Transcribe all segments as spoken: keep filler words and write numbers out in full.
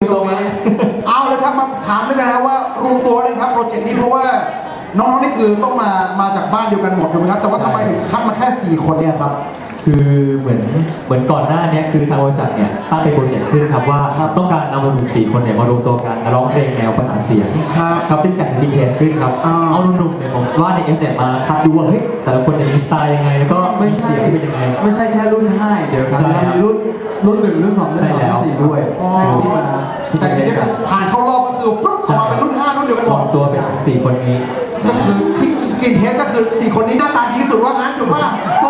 ตัวไหมเอาเลยครับมาถามด้วยกันนะครับว่ารวมตัวเลยครับโปรเจกต์นี้เพราะว่าน้องๆนี่คือต้องมามาจากบ้านเดียวกันหมดถูกไหมครับแต่ว่าทำไมถึงคัดมาแค่สี่คนเนี่ยครับคือเหมือนเหมือนก่อนหน้านี้คือทางบริษัทเนี่ยตั้งเป็นโปรเจกต์ขึ้นครับว่าต้องการนำหนุ่มสี่คนเนี่ยมารวมตัวกันร้องเพลงแนวประสานเสียงครับซึ่งจัดซินดิเคทขึ้นครับเอาหนุ่มๆเนี่ยผมว่าในเอฟเนี่ยมาคัดดูว่าเฮ้ยแต่ละคนเนี่ยมีสไตล์ยังไงแล้วก็ไม่เสียงเป็นยังไงไม่ใช่แค่รุ่นห้าเดี๋ยวครับมีรุ่นรุ่นหนึ่งรุ่นสองรุ่นสามรุ่นสี่ด้วยที่มาแต่จริงๆผ่านเข้ารอบก็คือฟลุ๊กออกมาเป็นรุ่นห้ารุ่นเดียวกันหมดตัวเป็นสี่คนนี้ก็คือพิกสกินเฮดก็คือสี่คนนี้หน้าตาดีที่สุดว่างั้นถูกป่ะ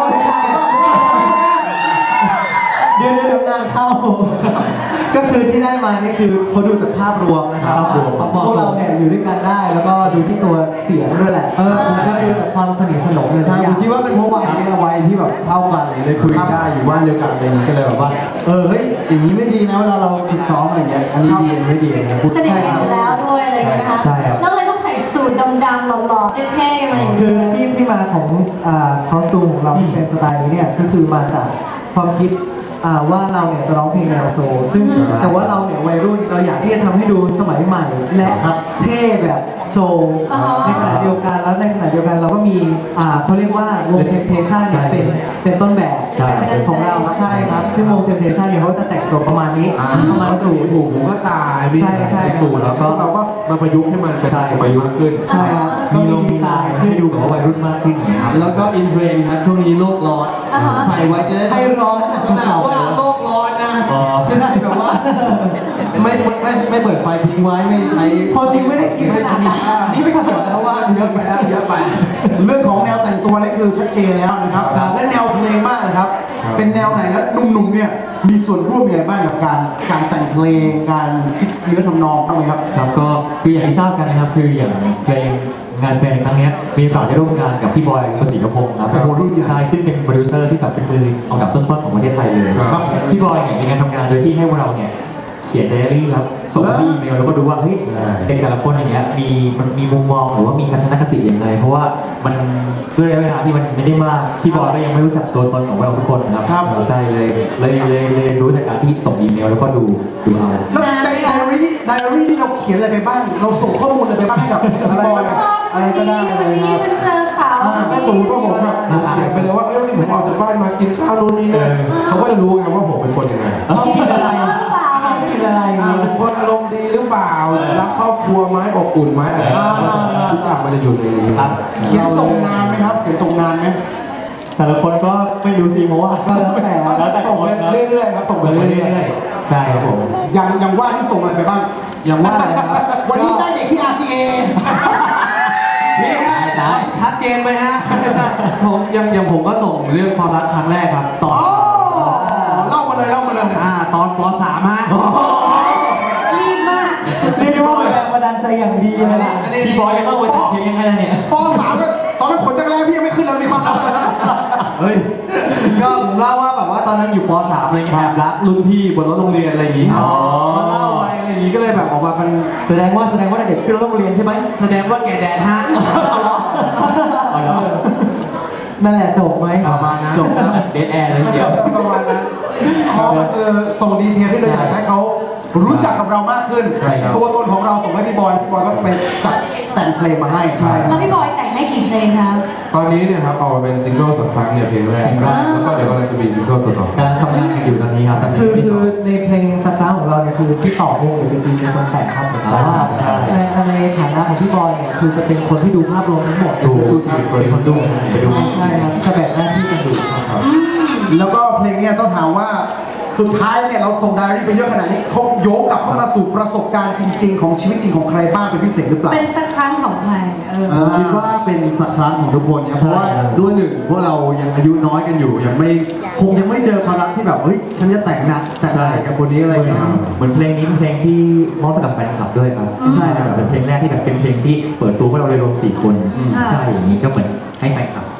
เดี๋ยวเดี๋ยวงานเข้าก็คือที่ได้มานี่คือเขาดูจากภาพรวมนะครับพวกเราเนี่ยอยู่ด้วยกันได้แล้วก็ดูที่ตัวเสียงด้วยแหละเออผมก็ดูจากความสนิทสนมเลยใช่ผมคิดว่าเป็นเพราะวัยเนี่ยวัยที่แบบเท่ากันเลยคุยได้อยู่บ้านเดียวกันอะไรอย่างนี้ก็เลยแบบว่าเออเฮ้ยอย่างนี้ไม่ดีนะเวลาเราฝึกซ้อมอะไรเงี้ยอันนี้ดีไม่ดีนะสนิทกันอยู่แล้วด้วยอะไรอย่างเงี้ยนะคะแล้วเลยต้องใส่สูทดำๆหล่อๆเท่ๆอะไรอย่างเงี้ยคือที่ที่มาของอ่าคอสตูมของเราที่เป็นสไตล์นี้เนี่ยก็คือมาจากความคิดว่าเราเนี่ยจะร้องเพลงแนวโซลซึ่งแต่ว่าเราเนี่ยวัยรุ่นเราอยากที่จะทำให้ดูสมัยใหม่และเท่แบบโซลในขณะเดียวกันแล้วในขณะเดียวกันเราก็มีเขาเรียกว่าวงเทมเพชันเนี่ยเป็นเป็นต้นแบบของเราใช่ครับซึ่งวงเทมเพชันเนี่ยเขาจะแต่งตัวประมาณนี้ประมาณสูทหูหูก็ตายใช่ใช่สูทแล้วก็เราก็มาประยุกต์ให้มันเป็นประยุกต์ขึ้นใช่ครับมีลงดีไซน์ให้ดูแบบว่าวัยรุ่นมากขึ้นอย่างเงี้ยครับแล้วก็อินเทรนด์ครับช่วงนี้โลกร้อนใส่ไว้จะได้ให้ร้อนขนาดว่าโลกร้อนนะจะได้แบบว่าไม่ไม่ไม่เปิดไฟทิ้งไว้ไม่ใช้ความจริงไม่ได้คิดขนาดนี้นี่ไม่เกี่ยวแล้วว่าเยอะไปแล้วเยอะไปเรื่องของแนวแต่งตัวนี่คือชัดเจนแล้วนะครับและแนวเพลงบ้างนะครับเป็นแนวไหนแล้วหนุ่มๆเนี่ยมีส่วนร่วมยังไงบ้างกับการการแต่งเพลงการคิดเนื้อทำนองบ้างไหมครับครับก็คืออย่างที่ทราบกันนะครับคืออย่างเพลงงานเพลงครั้งนี้มีโอกาสได้ร่วมงานกับพี่บอยกฤษณพงศ์ครับใช่ซึ่งเป็นโปรดิวเซอร์ที่แบบเป็นมือเอากับต้นๆของประเทศไทยเลยพี่บอยเนี่ยมีการทำงานโดยที่ให้พวกเราเนี่ยเขียนไดอารี่ครับส่งที่อีเมลแล้วก็ดูว่าเฮ้ยเด็กแต่ละคนอย่างเงี้ยมีมันมีมุมมองหรือว่ามีทัศนคติยังไงเพราะว่ามันด้วยระยะเวลาที่มันไม่ได้มากพี่บอยก็ยังไม่รู้จักตัวตนของเราทุกคนนะครับใช่เลยเลยเลยเลยรู้จากการที่ส่งอีเมลแล้วก็ดูดูเอาแล้วไดอารี่ไดอารี่ที่เราเขียนอะไรไปบ้างเราส่งข้อมูลอะไรไปบ้างให้กับพี่บอยอะไรก็ได้เลยครับฉันเจอสาวถ้าสมมติว่าผมแบบเขียนไปเลยว่าเอ้ยวันนี้ผมออกจากบ้านมากินข้าวนู่นนี่นั่นเขาก็จะรู้ไงว่าผมเป็นคนยังไงกินอะไรกินอะไรเป็นคนอารมณ์ดีหรือเปล่ารักครอบครัวไหมอบอุ่นไหมอะไรทุกอย่างมันจะอยู่ในนี้ครับเขียนส่งนานไหมครับเขียนส่งนานไหมแต่ละคนก็ไม่รู้สิเพราะว่าแล้วแต่แล้วแต่ส่งไปเรื่อยๆครับส่งไปเรื่อยๆใช่ครับผมอย่างอย่างว่าที่ส่งอะไรไปบ้างอย่างว่าอะไรครับวันนี้ได้เด็กที่ อาร์ ซี เอนี่ฮะชัดเจนไหมฮะผมยังยังผมก็ส่งเรื่องความรักครั้งแรกครับตอนเล่ามาเลยเล่ามาเลยอ่าตอนป .สาม ฮะรีบมากเรียกได้ว่าแรงบันดาลใจอย่างดีเลยนะพี่บอยยังต้องมาจัดเพลงยังไงเนี่ยป .สาม ตอนนั้นขนจักรแลพี่ยังไม่ขึ้นแล้วมีความรักอะไรครับเฮ้ยก็ผมเล่าว่าแบบว่าตอนนั้นอยู่ป .สาม อะไรเงี้ยแอบรักรุ่นพี่บนรถโรงเรียนอะไรอย่างงี้อ๋อเล่าไว้อะไรอย่างงี้ก็เลยแบบออกมาเป็นแสดงว่าแสดงว่าเด็กขึ้นรถโรงเรียนใช่ไหมแสดงว่าแกแดนฮะนั่นแหละจบไหมประมาณนั้นจบครับเดทแอร์เลยเดียวประมาณนั้นอ๋อมันคือส่งดีเทลที่เราอยากให้เขารู้จักกับเรามากขึ้นตัวตนของเราส่งให้พี่บอยพี่บอยก็ไปจัดแต่งเพลงมาให้ใช่แล้วพี่บอยแต่งให้กี่เพลงครับตอนนี้เนี่ยครับเอาเป็นซิงเกิลสักครั้งเนี่ยเพลงแรกแล้วก็เดี๋ยวกำลังจะมีซิงเกิลตัวต่อการทำงานอยู่ตอนนี้ครับคือคือในเพลงสักครั้งของเราเนี่ยคือพี่ต่อวงหรือเป็นทีมในคนแต่งครับแต่ว่าในในฐานะของพี่บอยเนี่ยคือจะเป็นคนที่ดูภาพรวมทั้งหมดดูทีมเป็นคนดูใช่ครับจะแบ่งหน้าที่กันดูครับแล้วก็เพลงนี้ต้องถามว่าสุดท้ายเนี่ยเราส่งไดอารี่ไปเยอะขนาดนี้เขาโยกกลับเข้ามาสู่ประสบการณ์จริงๆของชีวิตจริงของใครบ้างเป็นพิเศษหรือเปล่าเป็นสักครั้งของใครผมคิดว่าเป็นสักครั้งของทุกคนนะเพราะว่าด้วยหนึ่งพวกเรายังอายุน้อยกันอยู่ยังไม่คงยังไม่เจอความรักที่แบบเฮ้ยฉันจะแต่งงานแต่งงานกับคนนี้อะไรอย่างเงี้ยเหมือนเพลงนี้เป็นเพลงที่มอบให้กับแฟนคลับด้วยครับใช่ครับเป็นเพลงแรกที่แบบเป็นเพลงที่เปิดตัวพวกเราเลยรวมสี่คนใช่อย่างนี้ก็เหมือนให้แฟนคลับ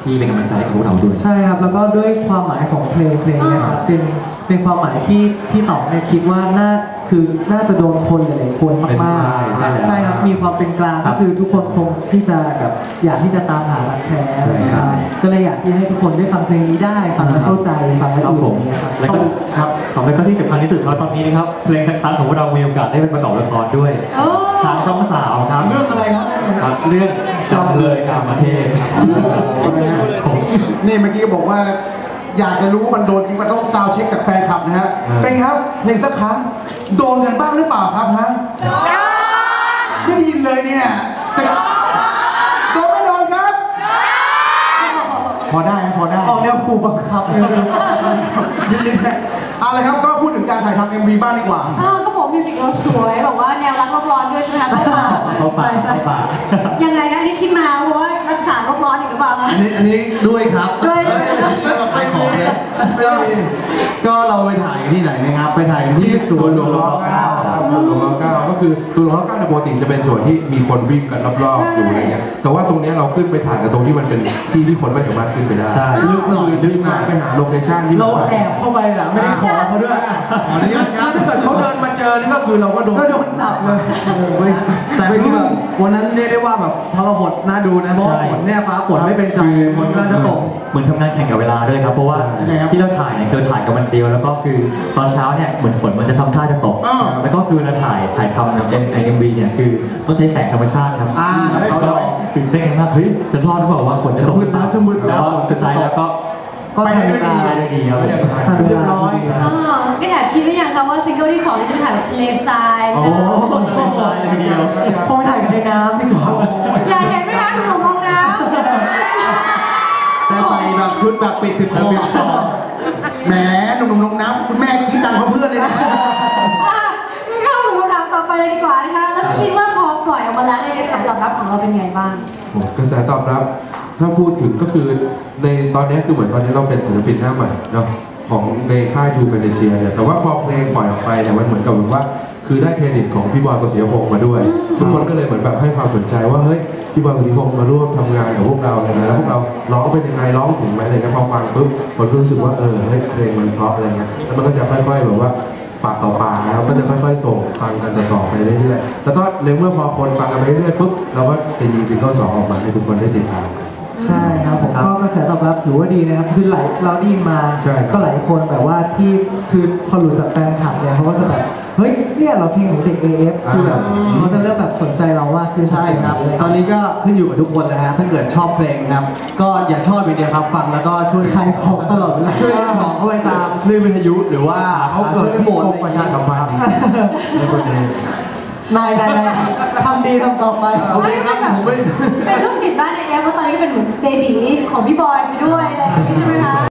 ที่เป็นกำลังใจให้กับพวกเราด้วยใช่ครับแล้วก็ด้วยความหมายของเพลงเพลงเนะครับเป็นเป็นความหมายที่พี่ต๋องเนี่ยคิดว่าน่าคือน่าจะโดนคนหลายๆคนมากๆใช่ใช่ใช่ครับมีความเป็นกลางก็คือทุกคนคงที่จะแบบอยากที่จะตามหารักแท้ใช่ก็เลยอยากที่ให้ทุกคนได้ฟังเพลงนี้ได้ฟังแล้วเข้าใจฟังแล้วครับอิผนมเนี่ยครับแล้วก็ครับของแล้วก็ที่สำคัญที่สุดครับตอนนี้นะครับเพลงสักครั้งของพวกเรามีโอกาสได้เป็นประกอบละครด้วยโอ้ทางช่องสามครับเรื่องอะไรครับครับเรื่องจำเลยกามเทพครับผมนี่เมื่อกี้ก็บอกว่า อยากจะรู้มันโดนจริงมันต้องซาวด์เช็คจากแฟนคลับนะฮะเป็นไงครับเพลงสักครั้งโดนกันบ้างหรือเปล่าครับฮะไม่ได้ยินเลยเนี่ยจะโดนไม่โดนครับ พอได้พอได้ออกแนวขู่บังคับเลยยินดีนะเอาละครับก็พูดถึงการถ่ายทำ เอ็ม วี บ้างดีกว่าอ้าวก็บอกมิวสิกเราสวยบอกว่าแนวรักโลกร้อนด้วยใช่ไหมคะเข้ามาเขาปากเขาปากยังไงคะอันนี้คิดมาเพราะว่ารักษาโลกร้อนอีกหรือเปล่าคะอันนี้อันนี้ด้วยครับด้วยแล้วเราขายของเลยก็ก็เราไปถ่ายที่ไหนนะครับ ไปถ่ายที่สส่ววน นหหลลววงงรรออเก้าเก้าส่วนหลวงรอเก้าก็คือส่วนหลวงรอเก้าในปกติจะเป็นส่วนที่มีคนวิ่งกันรอบๆอยู่อะไรเงี้ยแต่ว่าตรงเนี้ยเราขึ้นไปถ่ายกันตรงที่มันเป็นที่ที่คนไม่สามารถขึ้นไปได้ใช่ลึกหน่อยลึลึกกหน่มาอก ยไปหาโลเคชั่นที่เราแอบเข้าไปแหละไม่ได้ขอเขาด้วยขออนุญาตครับถ้าเกิดเขาเดินมาเจอนี่ก็คือเราก็โดนก็โดนจับเลยไม่ใช่แต่คือแบบวันนั้นเรียกได้ว่าแบบทรหดน่าดูนะเพราะว่าฝนเนี่ยฟ้าฝนไม่เป็นใจฝนกำลังจะตกเหมือนทำงานแข่งกับเวลาด้วยครับเพราะว่ายังไงครับที่เราถ่ายเนี่ยคือถ่ายกับวันเดียวแล้วก็คือตอนเช้าเนี่ยเหมือนฝนมันจะทำท่าจะตกอ้าวแล้วก็คือเราถ่ายถ่ายทำในเอ็มวีเนี่ยคือต้องใช้แสงธรรมชาติครับอ่าได้เขาสก็องตื่นเต้นกันมากเฮ้ยจะรอดหรือเปล่าว่าฝนจะตกจะมืดแล้วจะมืดแล้วต่าสุดท้ายแล้วก็ก็ไปทันได้เวด้วยลาดีได้ดีครับทันเวเรียบลาร้อยอ๋อก็แอบคิดไว้ยังคะว่าซิงเกิลที่สองนี่จะไปถ่ายแบบทะเลทรายโอ้โหเลยทรายเลยทีเดียวคงไปถ่ายกันในน้ำดีกว่าอยากเห็นไหมคะหนุ่มมองน้ำแต่ใส่แบบชุดแบบปิดถึงคอแหมหนุ่มๆลงน้ำคุณแม่คิดตังค์เขาเพื่อนเลยนะอ่ะงั้นเข้าสู่คำถามต่อไปเลยดีกว่านะคะ แล้วคิดว่าพอปล่อยออกมาแล้วในกระแสตอบรับของเราเป็นไงบ้างโอ้กระแสตอบรับถ้าพูดถึงก็คือในตอนนี้คือเหมือนตอนนี้เราเป็นศิลปินหน้าใหม่เนาะของในค่ายทูเฟเนเชียเนี่ยแต่ว่าพอเพลงปล่อยออกไปเนี่ยมันเหมือนกับแบบว่าคือได้เครดิตของพี่บอยกฤษณพงศ์มาด้วย ทุกคนก็เลยเหมือนแบบให้ความสนใจว่าเฮ้ยพี่บอยกฤษณพงศ์มาร่วมทำงานกับพวกเราอะไรเงี้ยแล้วพวกเราร้องเป็นยังไงร้องถึงไหมอะไรเงี้ยพอฟังปุ๊บคนก็รู้สึกว่าเออเฮ้ยเพลงมันเพราะอะไรเงี้ยแล้วมันก็จะค่อยๆแบบว่าปากต่อปากแล้วก็จะค่อยๆส่งฟังกันต่อๆไปเรื่อยๆแล้วก็ในเมื่อพอคนฟังกันไปเรื่อยๆปุ๊บเราก็จะยิงซิงเกิลสองออกมาให้ทุกคนได้ติดตามใช่ครับผมก็กระแสตอบรับถือว่าดีนะครับคือหลายเราได้ยินมาใช่ครับก็หลายคนแบบว่าที่คือพอหลุดจากแฟนคลับเนี่ยเขาก็จะแบบเฮ้ยเนี่ยเราเพลงของเด็ก เอ เอฟ คือแบบเขาจะเริ่มแบบสนใจเราว่าคือใช่ครับ ตอนนี้ก็ขึ้นอยู่กับทุกคนแล้วฮะถ้าเกิดชอบเพลงนะครับ ก็อย่าชอบอย่างเดียวครับฟังแล้วก็ช่วยขายของตลอดเวลาช่วยขอเข้าไปตามคลื่นวิทยุหรือว่าเขาเกิช่ดวยที่โหวกตรมประชาสัมพันธ์ในประเด็นนายนายนายทำดีทำต่อไปโอเคครับผมไม่เป็นลูกศิษย์บ้านไอเอฟว่าตอนนี้ก็เป็นเหมือนเบบีของพี่บอยไปด้วยอะไรอย่างนี้ใช่ไหมคะ